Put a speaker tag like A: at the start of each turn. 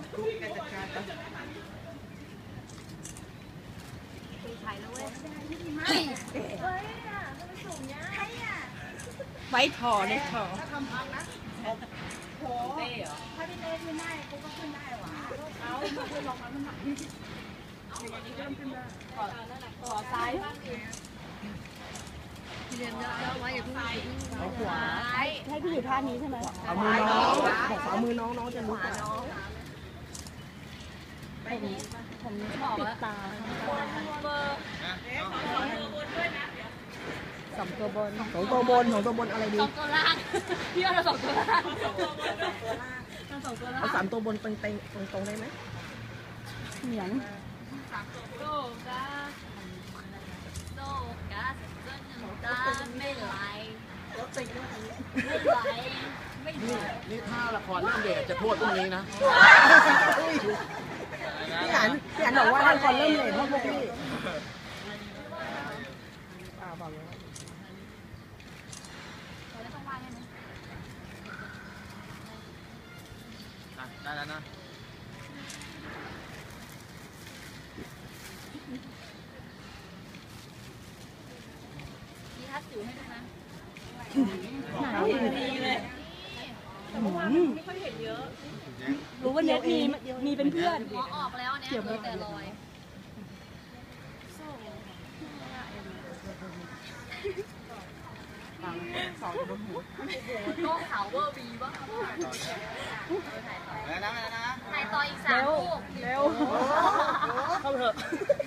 A: กุ๊กแกจัดการไปไว้ถอเลยถอถ้าทำพังนะโหเต้เหรอถ้าพี่เต้ขึ้นได้กูก็ขึ้นได้หวะเอาเพื่อนลองมามันหนักอย่างนี้ก็ขึ้นได้ขอซ้ายเรียนเยอะๆไว้อย่าเพิ่งเอาขวาให้พี่อยู่ท่านี้ใช่ไหมเอามือน้องบอกฝ่ามือน้องจะรู้กันผมบอกแล้วตาสองตัวบนอะไรดี2 ตัวล่างพี่เอา2 ตัวล่างเอา3 ตัวบนเต็งตรงได้ไหมเหนียงโลกาไม่ไหล
B: นี่ถ้าละครเรื่องเด็กจะโทษพวกนี้นะ
A: พี่อันบอกว่าละครเริ่มเลยเพราะพวกพี่บอกเลย
B: ได้แล้วนะ
C: มีทัดสิวให้ดูนะ
A: ดีเลยไม่ค่อยเห็นเยอะรู้ว่าเน็ตมีเป็นเพื่อน
C: หมอออกแล้วเนี่ยเหลือแต่รอยก็ขาวเวอร์บีบ้าง
B: แล้วนะ
C: ถ่ายต่ออีก3 ลูก
A: เร็วเข้าเถอะ